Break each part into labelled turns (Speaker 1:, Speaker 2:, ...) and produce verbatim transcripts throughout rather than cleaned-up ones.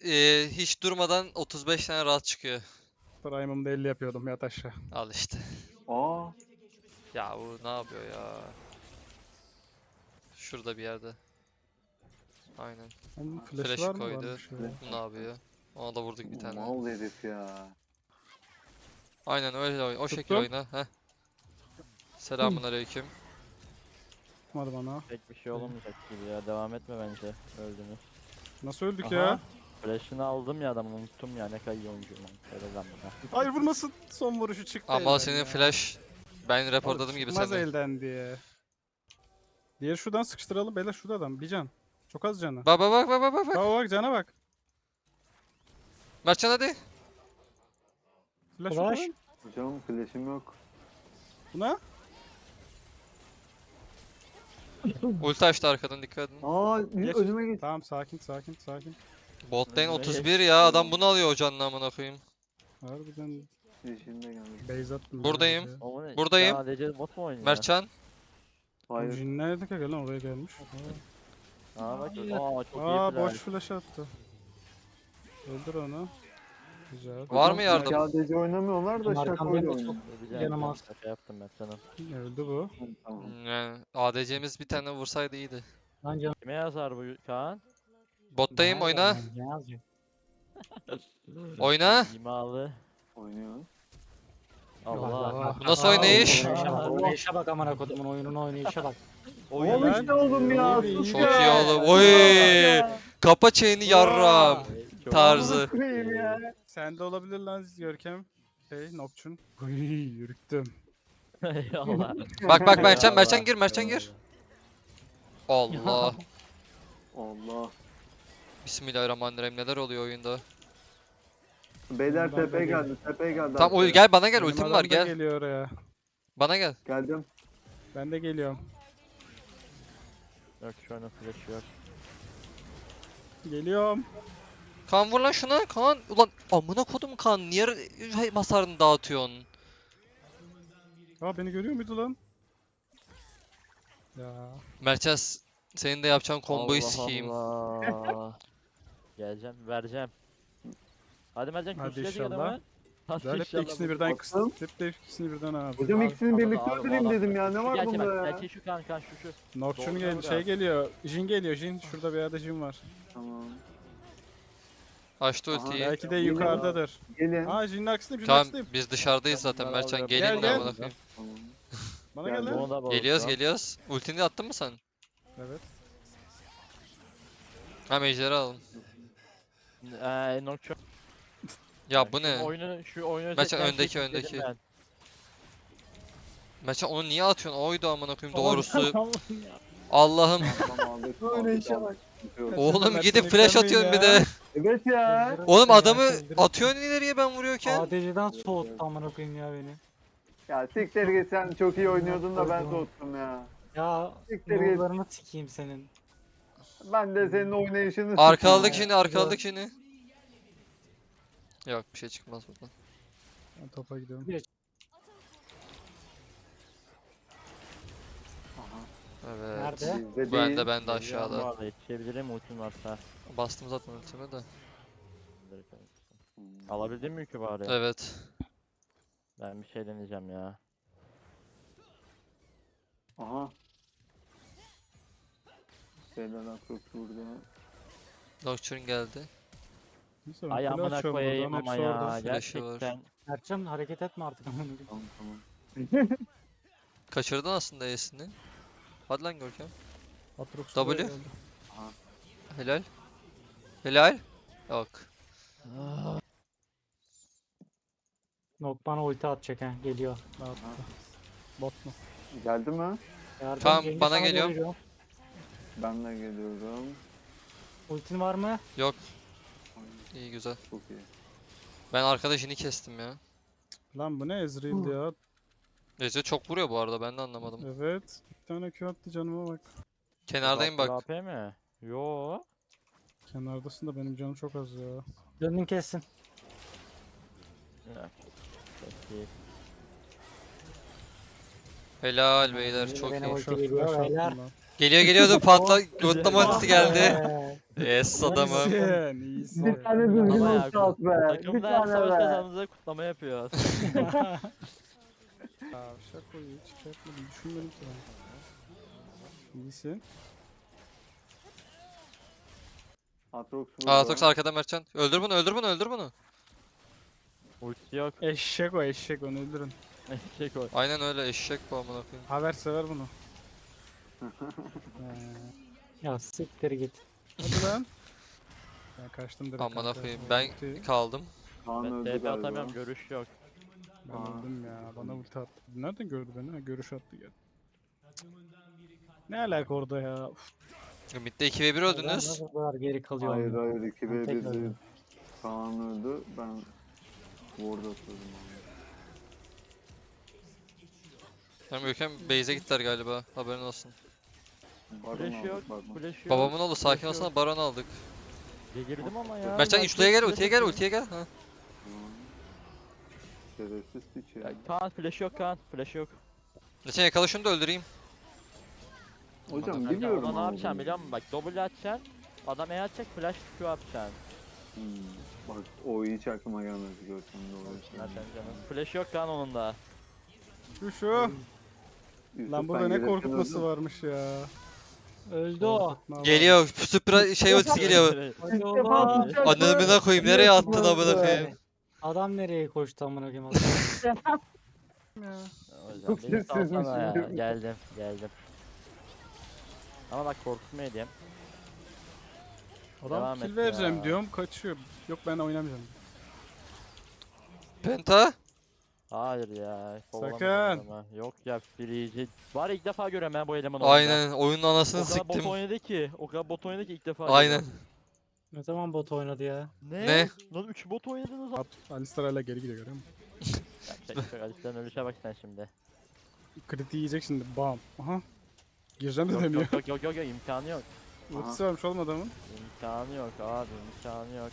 Speaker 1: e, hiç durmadan otuz beş tane rahat çıkıyor.
Speaker 2: Prime'ımda elli yapıyordum yat aşağı.
Speaker 1: Al işte.
Speaker 3: Aa.
Speaker 1: Ya bu ne yapıyor ya? Şurada bir yerde. Aynen.
Speaker 2: Onun flash'ı
Speaker 1: Flash'ı
Speaker 2: var mı?
Speaker 1: koydu.
Speaker 2: Varmış ya.
Speaker 1: Bu ne yapıyor? Ona da vurduk bir tane.
Speaker 3: Mal herif ya.
Speaker 1: Aynen öyle oyna. O şekil
Speaker 2: Tuttum.
Speaker 1: oyna. Heh. Selamun aleyküm.
Speaker 2: Tutmadı bana.
Speaker 4: Pek bir şey olamayacak gibi ya. Devam etme bence. Öldünüz.
Speaker 2: Nasıl öldük
Speaker 4: Aha.
Speaker 2: ya?
Speaker 4: Flash'ını aldım ya adamın, unuttum ya ne kadar iyi oyuncuyum. Helal lan bana.
Speaker 2: Hayır vurmasın. Son vuruşu çıktı
Speaker 1: Ama
Speaker 2: elden
Speaker 1: senin
Speaker 2: ya.
Speaker 1: flash ben
Speaker 2: Oğlum,
Speaker 1: raporladım gibi
Speaker 2: çıkmaz
Speaker 1: seni.
Speaker 2: elden diye. Diğeri şuradan sıkıştıralım. Beyler şurada adam. Bir can. Çok az canı.
Speaker 1: Bak bak bak bak bak bak.
Speaker 2: Bak bak cana bak.
Speaker 1: Mertcan hadi.
Speaker 2: Flash,
Speaker 5: Flash.
Speaker 2: Flash.
Speaker 3: Hocam flash'im yok.
Speaker 2: Buna.
Speaker 1: Ulti açtı arkadan, dikkat edin.
Speaker 3: Aa
Speaker 2: Geç.
Speaker 3: önüme geç.
Speaker 2: Tamam sakin sakin sakin.
Speaker 1: Bot lane
Speaker 4: Önüme
Speaker 1: otuz bir
Speaker 4: geçti.
Speaker 1: ya, adam bunu alıyor hocanın amına koyayım.
Speaker 2: Harbiden
Speaker 3: Flash'im de geldi.
Speaker 2: base attım.
Speaker 1: Buradayım.
Speaker 2: biraz ya.
Speaker 4: O ne?
Speaker 1: Buradayım.
Speaker 4: Sadece bot mu oynuyor?
Speaker 1: Mertcan.
Speaker 3: Hayır.
Speaker 2: Jin nerede ki gelen oraya gelmiş.
Speaker 4: Aa bak. Aa çok
Speaker 2: Aa
Speaker 4: iyi
Speaker 2: boş
Speaker 4: flash.
Speaker 2: flash attı. Öldür onu. Güzel.
Speaker 1: Var mı yardım?
Speaker 3: Sadece oynamıyorlar da
Speaker 5: Arkamda
Speaker 3: şakoyla
Speaker 5: da
Speaker 3: oynuyor.
Speaker 4: Öleceğim,
Speaker 5: Canım
Speaker 4: ben
Speaker 5: az.
Speaker 4: şaka yaptım ben sana.
Speaker 2: Öldü bu.
Speaker 3: Hı, Tamam.
Speaker 1: Yani A D C'miz bir tane vursaydı iyiydi.
Speaker 5: Lan canım.
Speaker 4: Kime yazar bu Kaan?
Speaker 1: Bottayım,
Speaker 5: Ne
Speaker 1: oyna.
Speaker 5: yazacak, ne yazacak?
Speaker 1: Oyna.
Speaker 4: İmalı.
Speaker 3: Oynuyor.
Speaker 4: Allah.
Speaker 1: Bu nasıl
Speaker 2: Aa,
Speaker 1: oynayış?
Speaker 5: Oynayışa bak, oynayışa bak amına kodumun oyunun oynayışa bak.
Speaker 4: Oyun
Speaker 3: Oğlum
Speaker 2: lan.
Speaker 3: işte oğlum ya.
Speaker 2: İyi, iyi,
Speaker 3: sus
Speaker 2: iyi.
Speaker 1: Çok
Speaker 3: ya.
Speaker 1: iyi oğlum. Oy! Kapa chain'i yarram.
Speaker 4: Çok-
Speaker 1: Tarzı.
Speaker 3: Koyayım ya.
Speaker 2: Sende olabilir lan Görkem. Şey Nocturne. Uy yürüttüm.
Speaker 4: Eyvallah.
Speaker 1: Bak bak Mertcan,
Speaker 4: Eyvallah.
Speaker 1: Mertcan gir, Mertcan gir. Allah.
Speaker 3: Allah.
Speaker 1: Bismillahirrahmanirrahim, neler oluyor oyunda?
Speaker 3: Beyler
Speaker 2: Bundan da
Speaker 3: tepeye
Speaker 2: gel-
Speaker 3: geldi. Tepeye geldi.
Speaker 1: Tamam
Speaker 3: arkaya.
Speaker 1: oy, gel bana gel,
Speaker 2: Benim
Speaker 1: ultim
Speaker 2: adam
Speaker 1: var
Speaker 2: da
Speaker 1: gel.
Speaker 2: geliyor oraya.
Speaker 1: Bana gel.
Speaker 3: Geldim.
Speaker 2: Ben de geliyorum.
Speaker 4: Yok şu an flash yok.
Speaker 2: Geliyorum.
Speaker 1: Kaan vur lan şuna, Kaan. Ulan amına kodum Kaan, niye r- hasarını dağıtıyorsun?
Speaker 2: Aa beni görüyor muydu lan? Ya.
Speaker 1: Mertcan s- senin de yapacağın komboyu
Speaker 4: Allah
Speaker 1: sikeyim.
Speaker 4: Allah. Geleceğim, vereceğim. Hadi Mercan
Speaker 2: Hadi
Speaker 4: kürsüye
Speaker 2: inşallah.
Speaker 4: adamı. Hadi
Speaker 2: Güzel hep de
Speaker 4: inşallah
Speaker 2: ikisini
Speaker 4: bu-
Speaker 2: birden
Speaker 3: Baktım.
Speaker 2: kıstım. Hep de ikisini birden abi.
Speaker 3: Hocam
Speaker 4: Abi,
Speaker 3: ikisini
Speaker 4: abi,
Speaker 3: birlikte
Speaker 4: abi,
Speaker 3: öldüreyim
Speaker 4: abi.
Speaker 3: dedim ya. Ne
Speaker 4: Şu
Speaker 3: var
Speaker 4: gerçeğe
Speaker 3: bunda
Speaker 4: bak,
Speaker 3: ya?
Speaker 4: gerçeği şu kan kan şu şu.
Speaker 2: Nocturne
Speaker 4: Doğru,
Speaker 2: gel
Speaker 4: doğru
Speaker 2: şey
Speaker 4: abi.
Speaker 2: geliyor. Jin geliyor Jin. Şurada bir yerde Jin var.
Speaker 3: Tamam.
Speaker 1: Açtı
Speaker 3: Aha,
Speaker 1: ultiyi.
Speaker 2: Belki de
Speaker 3: Geliyor.
Speaker 2: yukarıdadır.
Speaker 3: Gelin.
Speaker 2: Aa Jin'in aksındayım. Jin'in
Speaker 1: Tamam
Speaker 2: aksındayım.
Speaker 1: biz dışarıdayız zaten,
Speaker 4: Tamam,
Speaker 1: Mertcan
Speaker 4: gel,
Speaker 1: gelin
Speaker 2: gel.
Speaker 1: buraya amına koyayım.
Speaker 3: Tamam.
Speaker 2: Bana
Speaker 3: Geldi.
Speaker 2: gel lan.
Speaker 4: Bunu da
Speaker 1: Geliyoruz
Speaker 4: bozdum.
Speaker 1: geliyoruz. Ultini attın mı sen?
Speaker 2: Evet.
Speaker 1: Ha ejderi alalım.
Speaker 4: Eee Nocturne.
Speaker 1: Ya bu
Speaker 4: Şu
Speaker 1: ne?
Speaker 4: oyunu şu oyunu
Speaker 1: Mertcan,
Speaker 4: seçen şey
Speaker 1: öndeki,
Speaker 4: seçtim
Speaker 1: öndeki.
Speaker 4: ben.
Speaker 1: Mertcan onu niye atıyorsun? Oydu amına koyayım doğrusu. Allah'ım.
Speaker 3: Tamam aldık.
Speaker 2: Öyle
Speaker 3: aldık,
Speaker 2: işe
Speaker 3: aldık. Yok.
Speaker 1: Oğlum
Speaker 2: Mertcan
Speaker 1: gidip flash
Speaker 2: yüklenmeyin
Speaker 1: atıyorsun bir
Speaker 2: ya.
Speaker 1: de.
Speaker 3: Evet ya.
Speaker 1: Oğlum adamı
Speaker 5: Mertcan
Speaker 1: atıyorsun ileriye ben vuruyorken.
Speaker 5: A D C'den soğuttu amına koyayım ya beni.
Speaker 3: Ya siktir git, sen çok iyi oynuyordun da ben soğuttum ya.
Speaker 5: Ya
Speaker 3: Siktir git.
Speaker 5: nurlarını sikeyim senin.
Speaker 3: Ben de senin oynayışını
Speaker 1: Arkaladık
Speaker 3: sikeyim
Speaker 1: şimdi,
Speaker 3: ya.
Speaker 1: arkaladık şimdi. Yok bir şey çıkmaz buradan.
Speaker 2: Ben topa gidiyorum.
Speaker 3: Aha.
Speaker 1: Evet.
Speaker 5: Nerede?
Speaker 3: Bizde
Speaker 1: Ben
Speaker 3: değil.
Speaker 1: de ben de
Speaker 4: Geliyorum bu
Speaker 1: aşağıda.
Speaker 4: arada, yetişebilirim ultim varsa.
Speaker 1: Bastım zaten ultimi de.
Speaker 3: Hmm.
Speaker 4: Alabildin mi yükü bari?
Speaker 1: Evet.
Speaker 4: Ben bir şey deneyeceğim ya.
Speaker 3: Aha. Şeyler çok vurdu.
Speaker 1: Nocturne geldi.
Speaker 2: Neyse ben
Speaker 4: Ay
Speaker 2: kule
Speaker 4: amına
Speaker 2: açıyorum
Speaker 4: koyayım
Speaker 2: buradan,
Speaker 4: ama
Speaker 2: hepsi
Speaker 4: ya
Speaker 2: orada.
Speaker 1: Flash'ı var.
Speaker 4: gerçekten.
Speaker 5: Mertcan hareket etme artık amına koyayım.
Speaker 3: Tamam tamam.
Speaker 1: Kaçırdın aslında E'sini. Hadi lan Görkem.
Speaker 2: Atrox
Speaker 1: W.
Speaker 2: buraya geldi.
Speaker 1: Helal. Helal. Yok.
Speaker 5: Nok bana ulti atacak ha geliyor.
Speaker 2: Ne yaptı? Bot mu?
Speaker 3: Geldi mi?
Speaker 5: Yardım
Speaker 1: Tamam,
Speaker 5: Cengiz,
Speaker 1: bana
Speaker 5: sana
Speaker 1: geliyorum.
Speaker 5: geliyor.
Speaker 3: Ben de geliyorum.
Speaker 5: Ultin var mı?
Speaker 1: Yok. İyi güzel.
Speaker 3: Çok iyi.
Speaker 1: Ben arkadaşını kestim ya.
Speaker 2: Lan bu ne Ezreal ya?
Speaker 1: Ece çok vuruyor bu arada, ben de anlamadım.
Speaker 2: Evet. Bir tane Q attı canıma bak.
Speaker 1: Kenardayım bak.
Speaker 4: A P mi? Yo.
Speaker 2: Kenardasın da benim canım çok az ya.
Speaker 5: Döndün kessin.
Speaker 4: Ya, peki.
Speaker 1: Helal beyler, çok
Speaker 5: Beni
Speaker 1: iyi.
Speaker 5: ulti
Speaker 2: Şöyle
Speaker 5: geliyor
Speaker 2: flash attım
Speaker 5: beyler.
Speaker 2: lan.
Speaker 1: Geliyor geliyordu patla. Götlama ultisi geldi.
Speaker 5: Ee,
Speaker 1: Yes adamım.
Speaker 2: İyisin, iyisin.
Speaker 3: Bir tane düzgün
Speaker 4: Ama ya,
Speaker 3: ulti at be. Bir
Speaker 4: Takımda her
Speaker 3: tane
Speaker 4: savaş
Speaker 3: be.
Speaker 4: kazandığında kutlama yapıyor.
Speaker 2: Ya şaka hiç şey yapmadım, düşünmedim ki ben. İyisin.
Speaker 3: Atrox
Speaker 1: Aa
Speaker 3: burada.
Speaker 1: Tox arkada Mertcan. Öldür bunu öldür bunu öldür bunu.
Speaker 4: Ulti yok.
Speaker 2: Eşek o eşek, onu öldürün.
Speaker 4: Şey koy.
Speaker 1: Aynen öyle eşek bu amına koyayım.
Speaker 2: Haber sever bunu. Ee,
Speaker 5: Ya siktir git.
Speaker 2: hadi lan. Ben kaçtım direkt.
Speaker 1: Amına
Speaker 2: kanka.
Speaker 1: koyayım ben
Speaker 2: Ulti-
Speaker 1: kaldım.
Speaker 3: Kaan
Speaker 4: Ben
Speaker 3: öldü
Speaker 4: T P
Speaker 3: galiba.
Speaker 4: atamıyorum, görüş yok.
Speaker 2: Ben
Speaker 3: Aa.
Speaker 2: öldüm ya. Bana ulti attı. Nereden gördü beni? Ha, görüş attı geldi. Ne alaka orada ya? Uf.
Speaker 1: Mid'de iki ve bir
Speaker 5: Ben
Speaker 1: öldünüz.
Speaker 5: nasıl bu kadar geri kalıyorum?
Speaker 3: Hayır
Speaker 5: ya?
Speaker 3: hayır iki
Speaker 5: Ben
Speaker 3: ve
Speaker 5: tekrar
Speaker 3: birdi.
Speaker 5: öldüm.
Speaker 3: Kaan öldü. Ben ward atıyordum abi.
Speaker 1: Tamam Görkem base'e gittiler galiba. Haberin olsun.
Speaker 3: Baron
Speaker 4: Flash
Speaker 3: aldık,
Speaker 4: yok.
Speaker 3: bakma.
Speaker 4: Flash yok.
Speaker 1: Babamın oğlu sakin
Speaker 4: Flash
Speaker 1: olsana
Speaker 4: yok.
Speaker 1: baron aldık.
Speaker 4: Ya girdim ama ya.
Speaker 1: Mertcan
Speaker 4: Mertcan
Speaker 1: ultiye gel
Speaker 4: flash
Speaker 1: ultiye gel
Speaker 4: atıyor.
Speaker 1: ultiye gel. Ha.
Speaker 3: Aa. Şerefsiz piç ya.
Speaker 4: Ya Kaan flash yok Kaan. Flash yok.
Speaker 1: Mertcan yakala şunu da öldüreyim.
Speaker 3: Hocam
Speaker 1: Mertcan,
Speaker 3: biliyorum
Speaker 4: Ona ne
Speaker 3: ama
Speaker 4: yapacaksın
Speaker 3: bunu.
Speaker 4: biliyor musun? Bak double atacaksın. Adam E atacak flash Q atacaksın.
Speaker 3: Hmm. Bak o hiç aklıma gelmedi görsem doğru.
Speaker 4: Mertcan canım. Flash yok Kaan onun da.
Speaker 2: Şu şu.
Speaker 3: Yusuf,
Speaker 2: Lan
Speaker 3: sen
Speaker 2: burada ne
Speaker 3: gelirken
Speaker 2: korkutması
Speaker 3: öldün.
Speaker 2: varmış ya.
Speaker 5: Öldü o.
Speaker 2: Korkutma var.
Speaker 1: Geliyor süper şey ultisi geliyor.
Speaker 5: Hadi
Speaker 3: İlk
Speaker 5: oğlum.
Speaker 3: defa tutacak
Speaker 1: Anamına koyayım nereye attın amına koyayım.
Speaker 5: Adam nereye koştu amına koyayım?
Speaker 2: Ya.
Speaker 4: Hocam
Speaker 3: Çok
Speaker 4: beni
Speaker 3: sessizmiş
Speaker 4: salsana ya.
Speaker 3: şimdi.
Speaker 4: Geldim geldim. Ama bak korkutma diyeyim.
Speaker 2: Adam
Speaker 4: Devam
Speaker 2: kill
Speaker 4: et
Speaker 2: vereceğim
Speaker 4: ya.
Speaker 2: diyorum, kaçıyor. Yok ben oynamayacağım.
Speaker 1: Penta.
Speaker 4: Hayır ya.
Speaker 2: Sakın.
Speaker 4: kovalamıyorum ama. Yok ya Freezy. Var ya ilk defa görüyorum ben bu elemanı oyunda.
Speaker 1: Aynen oyunun anasını
Speaker 4: O kadar bot
Speaker 1: siktim.
Speaker 4: oynadı ki. O kadar bot oynadı ki ilk defa
Speaker 1: Aynen.
Speaker 4: görüyorum.
Speaker 5: Ne zaman bot oynadı ya?
Speaker 4: Ne?
Speaker 1: Ne?
Speaker 4: Lan üç bot oynadınız.
Speaker 2: At, Alistar hala geri gidiyor, görüyor musun?
Speaker 4: Ya şey, Alistar'ın ölüşe bak sen şimdi.
Speaker 2: Kriti yiyecek şimdi, bam. Aha. Gireceğim de
Speaker 4: Yok
Speaker 2: demiyor.
Speaker 4: yok yok yok yok yok imkanı yok.
Speaker 2: Ultisi varmış oğlum adamın.
Speaker 4: İmkanı yok abi imkanı yok.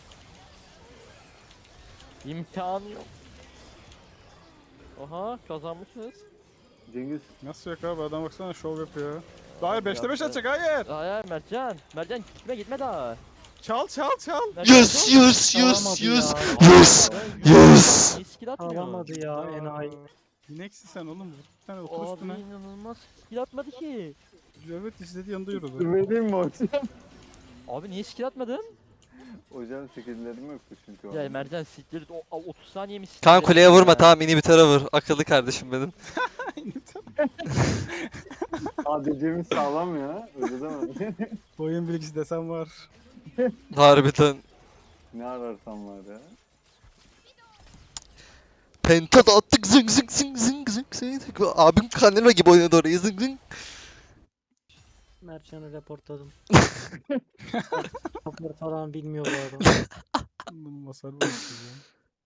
Speaker 4: İmkanı yok. Oha kazanmışsınız.
Speaker 3: Cengiz
Speaker 2: Nasıl yok abi, adam baksana şov yapıyor. Hayır beşte beş
Speaker 4: Yaptı.
Speaker 2: atacak, hayır.
Speaker 4: Hayır Mertcan. Mertcan gitme gitme daha.
Speaker 2: Çal çal çal.
Speaker 4: Mertcan,
Speaker 1: Yes
Speaker 4: dur.
Speaker 1: yes yes
Speaker 5: Alamadı
Speaker 1: yes.
Speaker 5: ya.
Speaker 1: Yes.
Speaker 4: Mertcan,
Speaker 1: Yes.
Speaker 4: niye skill atmıyor?
Speaker 5: Alamadı ya enayi.
Speaker 2: Bineksin sen oğlum. Bir tane otur
Speaker 4: Abi
Speaker 2: üstüne.
Speaker 4: inanılmaz skill atmadı ki.
Speaker 2: Evet izledi, yanında yürüdü.
Speaker 3: vereyim mi hocam?
Speaker 4: Abi niye skill atmadın?
Speaker 3: Hocam skill'lerim yoktu çünkü. o
Speaker 4: Ya
Speaker 3: an.
Speaker 4: Mertcan siktir o o- otuz saniye mi siktir?
Speaker 1: Kaan kuleye vurma
Speaker 4: ya?
Speaker 1: tamam inhibitor'a vur. Akıllı kardeşim benim.
Speaker 3: A D C'miz sağlam ya. Öyle deme.
Speaker 2: Oyun bilgisi desem var.
Speaker 1: Harbiden.
Speaker 3: Ne ararsan var ya.
Speaker 1: Penta da attık zıng zıng zıng zıng zıng zıng. Abim Canelo gibi oynadı orayı zıng zıng.
Speaker 5: Mertcan'ı reportladım. Rapor falan bilmiyor bu adam.
Speaker 2: Masar var.